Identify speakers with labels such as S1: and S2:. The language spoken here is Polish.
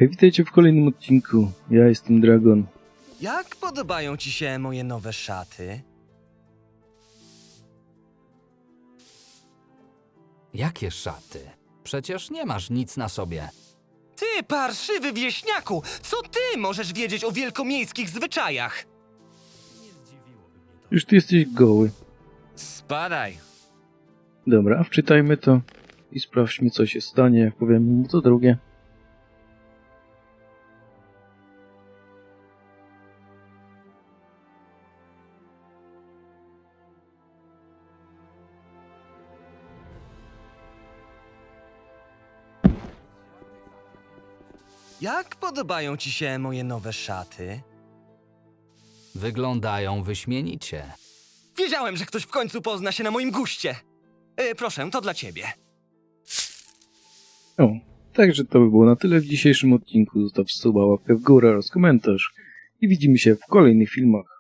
S1: Hej, witajcie w kolejnym odcinku. Ja jestem Dragon.
S2: Jak podobają ci się moje nowe szaty?
S3: Jakie szaty? Przecież nie masz nic na sobie.
S2: Ty, parszywy wieśniaku! Co ty możesz wiedzieć o wielkomiejskich zwyczajach?
S1: Już ty jesteś goły.
S2: Spadaj.
S1: Dobra, wczytajmy to i sprawdźmy, co się stanie, jak powiem mu to drugie.
S2: Jak podobają ci się moje nowe szaty?
S3: Wyglądają wyśmienicie.
S2: Wiedziałem, że ktoś w końcu pozna się na moim guście. Proszę, to dla ciebie.
S1: O, także to by było na tyle w dzisiejszym odcinku. Zostaw suba, łapkę w górę oraz komentarz i widzimy się w kolejnych filmach.